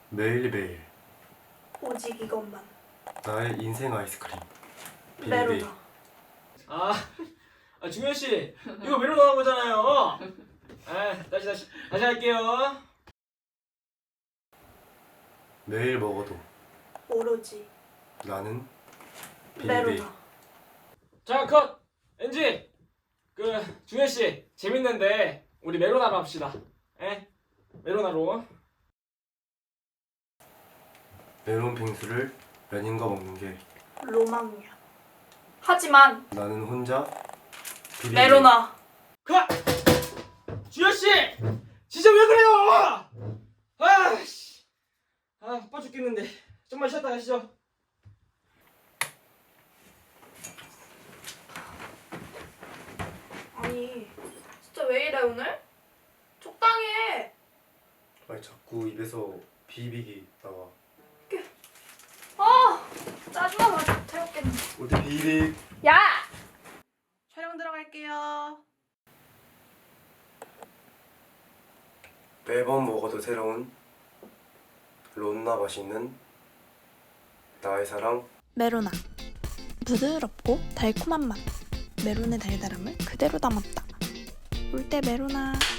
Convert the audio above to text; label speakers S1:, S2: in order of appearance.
S1: 매일매일
S2: 오직 이것만.
S1: 나의 인생 아이스크림
S2: 메로나.
S3: 중현 씨, 이거 메로 나온 거잖아요. 다시 할게요.
S1: 매일 먹어도
S2: 오로지
S1: 나는 비비.
S2: 메로나.
S3: 자, 컷. NG. 중현 씨 재밌는데 우리 메로나로 합시다. 메로나로.
S1: 메론 빙수를 연인과 먹는 게
S2: 로망이야. 하지만
S1: 나는 혼자 비비.
S2: 메로나.
S3: 컷. 중현 씨, 진짜 왜 그래요? 아씨, 바빠 죽겠는데 좀만 쉬었다 가시죠.
S2: 아니 진짜 왜 이래 오늘? 적당히 해.
S1: 아니 자꾸 입에서 비비기 나와.
S2: 짜증나서 태웠겠네.
S1: 어디 비비.
S2: 야! 촬영 들어갈게요.
S1: 매번 먹어도 새로운 론나 맛있는 나의 사랑
S4: 메로나. 부드럽고 달콤한 맛. 메론의 달달함을 그대로 담았다. 올 때 메로나.